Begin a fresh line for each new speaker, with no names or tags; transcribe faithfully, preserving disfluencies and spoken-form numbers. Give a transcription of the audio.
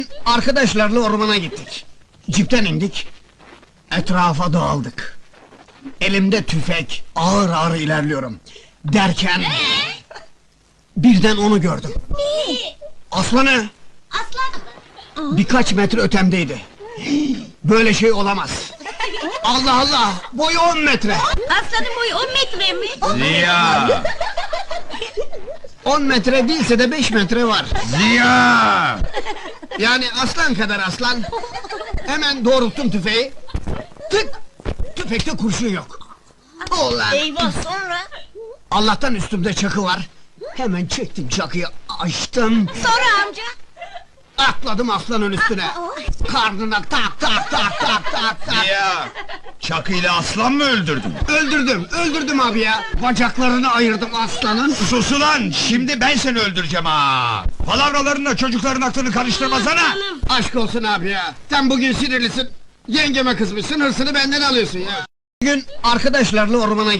Arkadaşlarla ormana gittik. Cipten indik. Etrafa dağıldık. Elimde tüfek, ağır ağır ilerliyorum. Derken... birden onu gördüm. Aslanı!
Aslan!
Birkaç metre ötemdeydi. Böyle şey olamaz. Allah Allah! Boyu on metre!
Aslanın boyu on metre mi?
Ziya!
On metre değilse de beş metre var.
Ziya!
Yani aslan kadar aslan. Hemen doğrulttum tüfeği. Tık! Tüfekte kurşun yok. Ulan!
Eyvah, sonra?
Allah'tan üstümde çakı var. Hemen çektim çakıyı, açtım.
Sonra amca?
Atladım aslanın üstüne. Karnına tak tak tak tak tak tak.
Ziya! Çakıyla aslan mı öldürdün?
Öldürdüm, öldürdüm abi ya. Bacaklarını ayırdım aslanın.
Sus ulan! Şimdi ben seni öldüreceğim ha! Palavralarınla çocukların aklını karıştırmasana!
Aşk olsun abi ya. Sen bugün sinirlisin. Yengeme kızmışsın, hırsını benden alıyorsun ya. Bugün arkadaşlarla ormana